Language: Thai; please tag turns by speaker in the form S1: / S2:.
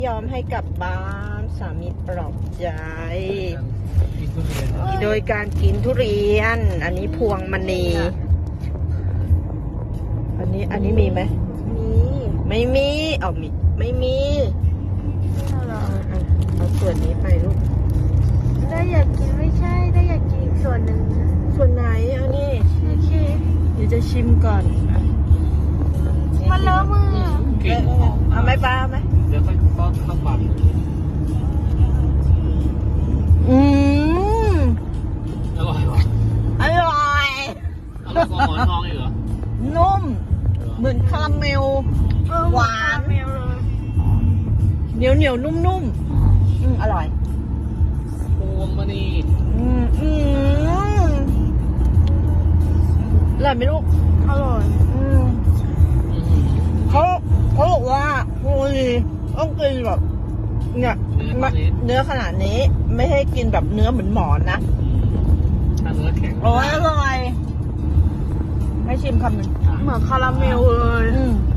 S1: ยอมให้กลับบ้านสามีปลอบใจโดยการกินทุเรียนอันนี้พวงมณีอันนี้มีไหมไม่มีไม่มีเอาส่วนนี้ไปลูก
S2: ได้อยากกินไม่ใช่ได้อยากกินอีกส่วนหนึ่ง
S1: ส่วนไหนเอานี่
S2: โอเค
S1: เดี๋ยวจะชิมก่อน
S2: มันเลอะมือ
S1: เอาไหมป้าเอาไหม
S3: เดี๋ยวค่อยป้อนข้าวปั่นอร่อยว่ะ
S1: อร่อย
S3: อร่อยกว่าหมอนทองอีกเหรอ
S1: นุ่มเหมือนคาราเมลหวานเหนียวนุ่มอร่อย
S3: พวงมณี
S1: อร่อยไหมลูก
S2: อร่อย
S1: เขาบอกว่าพวงมณีต้องกินแบบเนี่ยเนื้อขนาดนี้ไม่ให้กินแบบเนื้อเหมือนหมอนนะ
S3: ถ้าเนื้อแข็ง
S1: อร่อยให้ชิมคำหนึ่ง
S2: เหมือนคาราเมลเลย